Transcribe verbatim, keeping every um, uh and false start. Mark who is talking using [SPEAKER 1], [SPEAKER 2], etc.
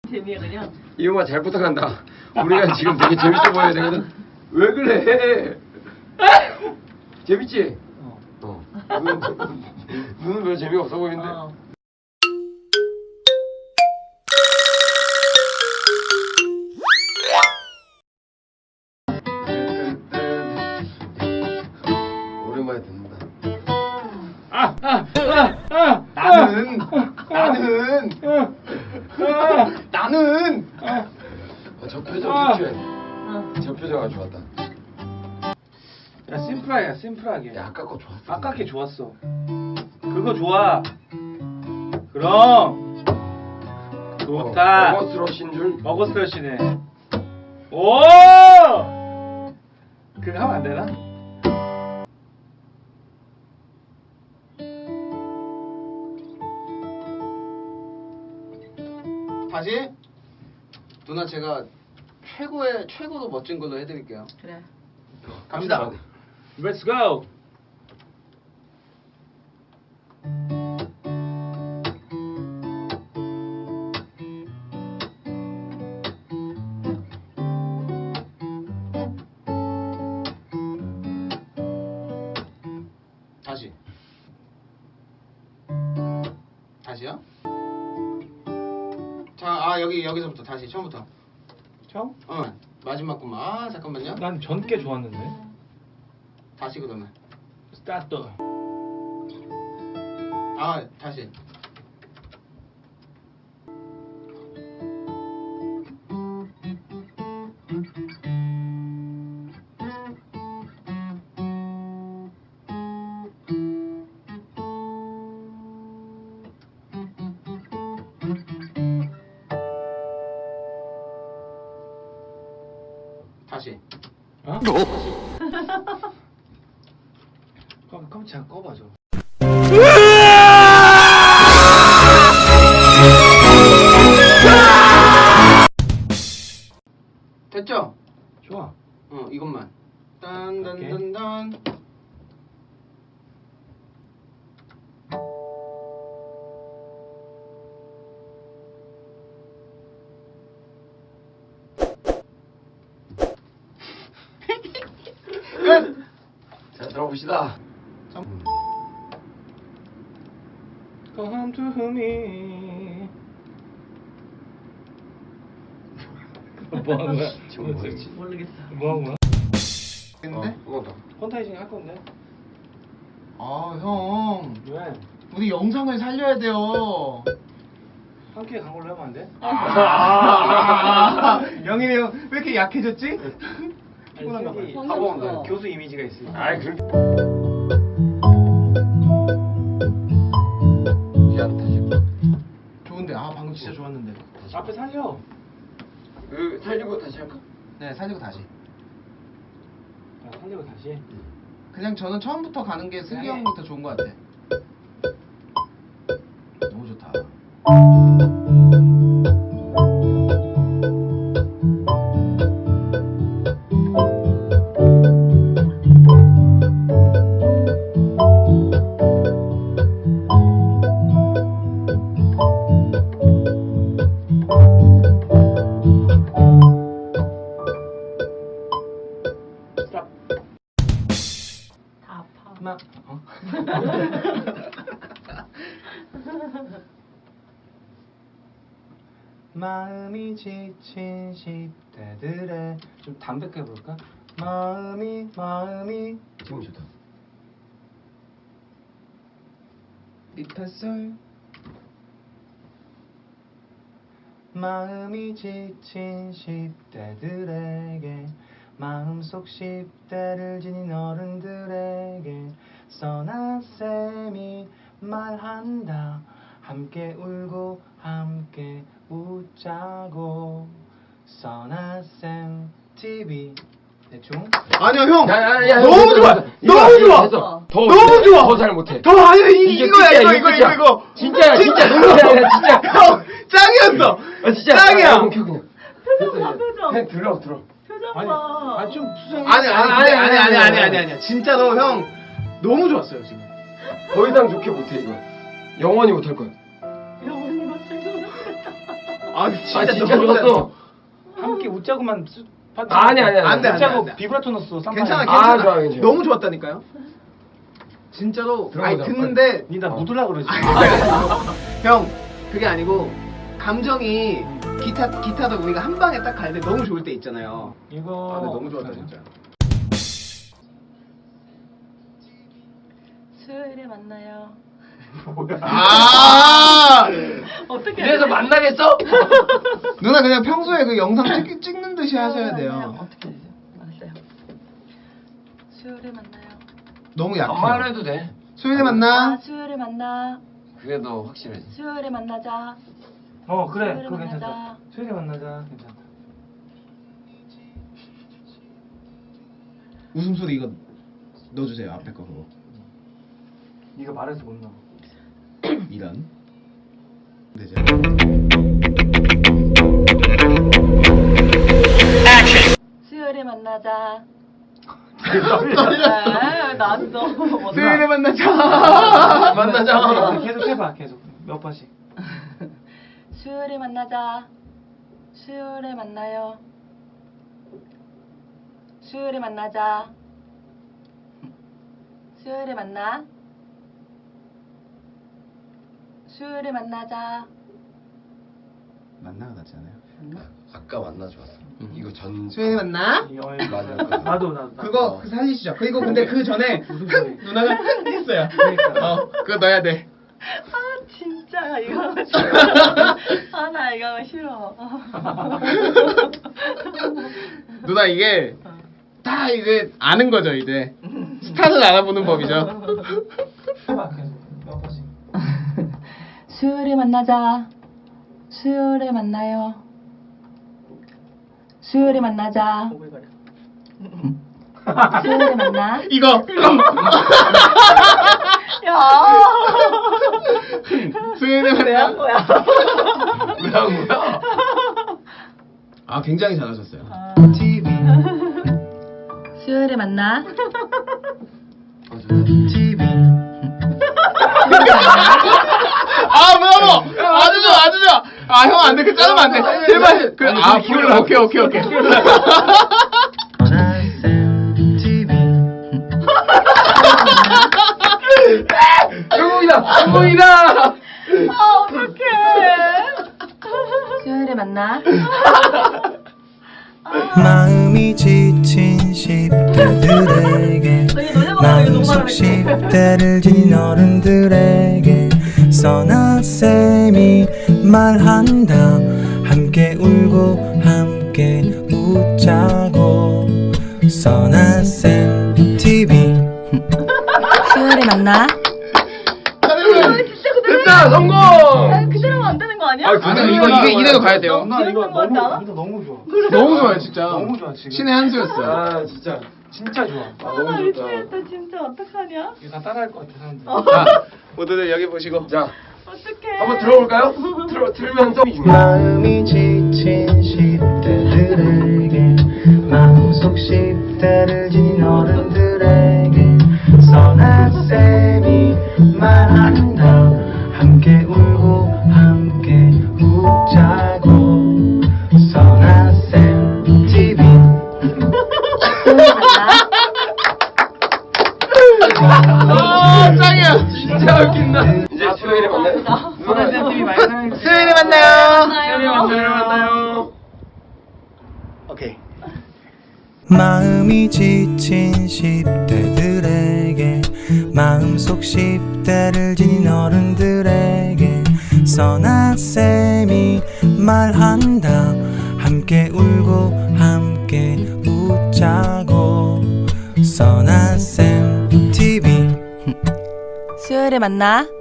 [SPEAKER 1] 재미야 그냥.
[SPEAKER 2] 이용아 잘 부탁한다. 우리가 지금 되게 재밌어 보여야 되거든. 왜 그래? 재밌지?
[SPEAKER 1] 어.
[SPEAKER 2] 어. 눈은, 눈은 별 재미가 없어 보이는데.
[SPEAKER 1] 어.
[SPEAKER 2] 오랜만에 듣는다.
[SPEAKER 3] 아, 아, 아, 아,
[SPEAKER 2] 나는
[SPEAKER 3] 아,
[SPEAKER 2] 나는
[SPEAKER 3] 아,
[SPEAKER 2] 나는
[SPEAKER 3] 아,
[SPEAKER 2] 아, 저 표정
[SPEAKER 3] 아.
[SPEAKER 2] 좋지?
[SPEAKER 1] 어.
[SPEAKER 2] 저 표정 아주 좋았다.
[SPEAKER 3] 야 심플하게, 심플하게.
[SPEAKER 2] 야 아까 거 좋았어.
[SPEAKER 3] 아까 게 좋았어. 그거 좋아. 그럼 좋다.
[SPEAKER 2] 어, 버거스러신 줄.
[SPEAKER 3] 버거스러시네. 오! 그거 하면 안 되나?
[SPEAKER 4] 다시 누나 제가 최고의 최고로 멋진 걸로 해드릴게요.
[SPEAKER 1] 그래.
[SPEAKER 4] 갑시다.
[SPEAKER 3] Let's go.
[SPEAKER 4] 다시. 다시요? 자, 아 여기 여기서부터 다시 처음부터.
[SPEAKER 3] 처음?
[SPEAKER 4] 어 마지막 것만. 아 잠깐만요.
[SPEAKER 3] 난 전께 좋았는데.
[SPEAKER 4] 다시 그러면.
[SPEAKER 3] 스타트.
[SPEAKER 4] 아 다시. 다시.
[SPEAKER 3] 어? 깜 깜짝 꺼봐줘.
[SPEAKER 4] 됐죠?
[SPEAKER 3] 좋아.
[SPEAKER 4] 어 이것만. 딴딴딴딴. 끝.
[SPEAKER 2] 자 들어봅시다.
[SPEAKER 3] Come to me. 뭐 하는 거야?
[SPEAKER 2] 지금 뭐였지?
[SPEAKER 1] 모르겠어.
[SPEAKER 3] 뭐 하는 거야?
[SPEAKER 4] 했는데?
[SPEAKER 2] 한번 더.
[SPEAKER 3] 펀타이징 할 건데.
[SPEAKER 4] 아 형.
[SPEAKER 3] 왜?
[SPEAKER 4] 우리 영상을 살려야 돼요.
[SPEAKER 3] 함께 간 걸로 하면 안 돼?
[SPEAKER 4] 아, 영일이 형 왜 이렇게 약해졌지?
[SPEAKER 3] 피곤한가 봐.
[SPEAKER 1] 아니,
[SPEAKER 2] 학원
[SPEAKER 1] 성의 없어.
[SPEAKER 3] 교수 이미지가 있으니까.
[SPEAKER 2] 아이 그럼. 미안 다시.
[SPEAKER 4] 좋은데 아 방금 진짜 좋았는데.
[SPEAKER 3] 앞에 살려.
[SPEAKER 2] 그 살리고 다시 할까?
[SPEAKER 4] 네 살리고 다시.
[SPEAKER 3] 아, 살리고 다시.
[SPEAKER 4] 그냥 저는 처음부터 가는 게 슬기 형부터 좋은 것 같아. 너무 좋다.
[SPEAKER 3] 스탑.
[SPEAKER 1] 다 아파.
[SPEAKER 3] 막. 어? 마음이 지친 십 대들의 좀 담백해 볼까? 마음이 마음이
[SPEAKER 2] 지금 좋다.
[SPEAKER 4] 리파솔.
[SPEAKER 3] 마음이 지친 십 대들에게 마음속 십 대를 지닌 어른들에게 써나쌤이 말한다. 함께 울고 함께 웃자고. 써나쌤 티비 대충.
[SPEAKER 4] 아니야 형.
[SPEAKER 2] 야야야
[SPEAKER 4] 너무 좋아. 너무 좋아.
[SPEAKER 2] 됐어. 더
[SPEAKER 4] 너무 좋아.
[SPEAKER 2] 더 잘 못해.
[SPEAKER 4] 더 아니야 이,
[SPEAKER 2] 이게
[SPEAKER 4] 이거야
[SPEAKER 2] 끝이야,
[SPEAKER 4] 이거
[SPEAKER 2] 이게
[SPEAKER 4] 이거
[SPEAKER 2] 끝이야.
[SPEAKER 4] 이거 이거.
[SPEAKER 2] 진짜야 진짜 농담이야 진짜.
[SPEAKER 4] 형 짱이었어.
[SPEAKER 2] 아 진짜.
[SPEAKER 4] 짱이야.
[SPEAKER 2] 아, 그냥 그냥.
[SPEAKER 1] 표정 봐, 표정.
[SPEAKER 2] 그냥 들어 들어.
[SPEAKER 1] 표정
[SPEAKER 3] 아니,
[SPEAKER 1] 봐.
[SPEAKER 3] 아니 좀 수정.
[SPEAKER 4] 아니 아니 아니 아니 아니 아니 아니 아니 진짜로 형 너무 좋았어요 지금.
[SPEAKER 2] 더 이상 좋게 못해 이거. 영원히 못할 거야.
[SPEAKER 1] 영원히 못할
[SPEAKER 4] 아 진짜,
[SPEAKER 2] 아 진짜
[SPEAKER 4] 너무
[SPEAKER 2] 좋았어.
[SPEAKER 3] 함께 웃자고만 쓰- 파트.
[SPEAKER 2] 아니 아니 아니.
[SPEAKER 4] 안 돼, 안 돼,
[SPEAKER 3] 웃자고
[SPEAKER 4] 안 돼.
[SPEAKER 3] 비브라토 넣었어. 쌈마에.
[SPEAKER 4] 괜찮아,
[SPEAKER 2] 아,
[SPEAKER 4] 괜찮아.
[SPEAKER 2] 좋아, 괜찮아.
[SPEAKER 4] 너무 좋았다니까요. 진짜로. 아니
[SPEAKER 2] 들어보자,
[SPEAKER 4] 듣는데
[SPEAKER 3] 니 나 묻으려 그러지.
[SPEAKER 4] 형 그게 아니고 감정이 기타 기타도 우리가 한 방에 딱 갈 때 너무 좋을 때 있잖아요.
[SPEAKER 3] 이거
[SPEAKER 4] 아, 근데 너무 좋았다 진짜.
[SPEAKER 1] 수요일에 만나요.
[SPEAKER 4] 아
[SPEAKER 1] 어떻게?
[SPEAKER 2] 이래서 만나겠어?
[SPEAKER 4] 누나 그냥 평소에 그 영상 찍, 찍는 듯이 하셔야
[SPEAKER 1] 만나요.
[SPEAKER 4] 돼요.
[SPEAKER 1] 어떻게 되죠? 알았어요. 수요일에 만나요.
[SPEAKER 4] 너무 약해.
[SPEAKER 2] 반말로 해도 돼.
[SPEAKER 4] 수요일에
[SPEAKER 1] 아,
[SPEAKER 4] 만나.
[SPEAKER 1] 수요일에 만나.
[SPEAKER 2] 그게 더 확실해.
[SPEAKER 1] 수요일에 만나자.
[SPEAKER 3] 어 그래
[SPEAKER 1] 수요일에
[SPEAKER 3] 그거
[SPEAKER 1] 만나자.
[SPEAKER 3] 괜찮다. 수요일에 만나자. 괜찮다.
[SPEAKER 4] 웃음소리 이거 넣어주세요 앞에 거 그거.
[SPEAKER 3] 네가 말해서 못 넣어.
[SPEAKER 4] 이런. 되죠.
[SPEAKER 1] 수요일에 만나자.
[SPEAKER 3] 떨려.
[SPEAKER 1] 아, 나도.
[SPEAKER 4] 수요일에 만나자.
[SPEAKER 2] 만나자.
[SPEAKER 3] 계속 해봐 계속 몇 번씩.
[SPEAKER 1] 수요일에 만나자. 수요일에 만나요. 수요일에 만나자. 수요일에 만나. 수요일에 만나자.
[SPEAKER 4] 만나가 낫지 않아요?
[SPEAKER 2] 아까 만나 좋았어. 이거 전.
[SPEAKER 4] 수요일에 만나.
[SPEAKER 3] 이 어,
[SPEAKER 2] 맞아.
[SPEAKER 3] 나도 나도. 나도.
[SPEAKER 4] 그거 그 살리시죠. 그리고 근데 그 전에
[SPEAKER 3] 무슨
[SPEAKER 4] 흥
[SPEAKER 3] 소리?
[SPEAKER 4] 누나가 흥 했어요.
[SPEAKER 3] 그러니까.
[SPEAKER 4] 어 그거 넣어야 돼.
[SPEAKER 1] 아 진짜 이거 하고 싫어. 아 나 이거 하고 싫어.
[SPEAKER 4] 누나 이게 다 이제 아는 거죠 이제. 스타는 알아보는 법이죠.
[SPEAKER 3] 해봐 계속 몇 번씩.
[SPEAKER 1] 수요일에 만나자. 수요일에 만나요. 수요일에 만나자. 오글거려. 수요일에 만나.
[SPEAKER 4] 이거.
[SPEAKER 1] 야.
[SPEAKER 4] 수요일에
[SPEAKER 1] 왜한
[SPEAKER 4] 만나.
[SPEAKER 1] 거야?
[SPEAKER 2] 왜한 거야?
[SPEAKER 4] 아 굉장히 잘하셨어요.
[SPEAKER 1] 아.
[SPEAKER 4] 티비.
[SPEAKER 1] 수요일에 만나.
[SPEAKER 4] 티비. 아 브라보. 아주 좋아 아주 좋아. 아 형 안 돼. 그 자르면 안 돼. 제발. 그,
[SPEAKER 2] 아니,
[SPEAKER 4] 아
[SPEAKER 2] 좀
[SPEAKER 4] 불
[SPEAKER 2] 길어.
[SPEAKER 4] 오케이 오케이 오케이.
[SPEAKER 2] 성공이다. 성공이다.
[SPEAKER 1] 아 어떡해. 수요일에 만나.
[SPEAKER 5] 마음이 지친 십 대들에게
[SPEAKER 1] 저희 노래 부르는 거
[SPEAKER 5] 마음속
[SPEAKER 1] 너무
[SPEAKER 5] 십
[SPEAKER 1] 많은데.
[SPEAKER 5] 대를 지닌 어른들에게 써나쌤이 말한다. 함께 울고 함께 웃자고 써나쌤 티비.
[SPEAKER 1] 수요일에 만나.
[SPEAKER 2] 됐다. 성공.
[SPEAKER 1] 아, 그대로면 안 되는 거 아니야?
[SPEAKER 2] 아,
[SPEAKER 4] 아 근데 이거 이게 이대로 가야 돼요.
[SPEAKER 3] 누나 이거
[SPEAKER 1] 재밌는 거 같지 않아?
[SPEAKER 3] 너무 누나 너무 좋아.
[SPEAKER 4] 너무 좋아요 진짜.
[SPEAKER 3] 너무 좋아 지금.
[SPEAKER 4] 신의 한 수였어요.
[SPEAKER 2] 아 진짜.
[SPEAKER 3] 진짜 좋아.
[SPEAKER 2] 아,
[SPEAKER 1] 아, 나
[SPEAKER 2] 너무 좋다.
[SPEAKER 1] 미치겠다 진짜 어떡하냐?
[SPEAKER 3] 이거 다 따라할 것 같아 사람들.
[SPEAKER 4] 자 모두들 여기 보시고.
[SPEAKER 2] 자,
[SPEAKER 1] 어떡해.
[SPEAKER 2] 한번 들어볼까요? 들어 들면서.
[SPEAKER 5] 마음이 지친 십 대들에게 마음속 십 대를 지닌 어른들에게 써나쌤이 말한다. 함께 울고 함께 웃자고 써나쌤 티비.
[SPEAKER 1] 수요일에 만나.
[SPEAKER 4] 아 짱이야.
[SPEAKER 2] 진짜 웃긴다. 이제 수요일에 만나요.
[SPEAKER 3] 누나 쌤이 많이 사랑해주세요.
[SPEAKER 4] 수요일에 만나요.
[SPEAKER 2] 수요일에 만나요. 만나요.
[SPEAKER 4] 오케이.
[SPEAKER 5] 마음이 지친 십 대들에게 마음속 십 대를 지닌 어른들에게 써나쌤이 말한다. 함께 울고 함께 웃자고 써나쌤 티비.
[SPEAKER 1] 수요일에 만나.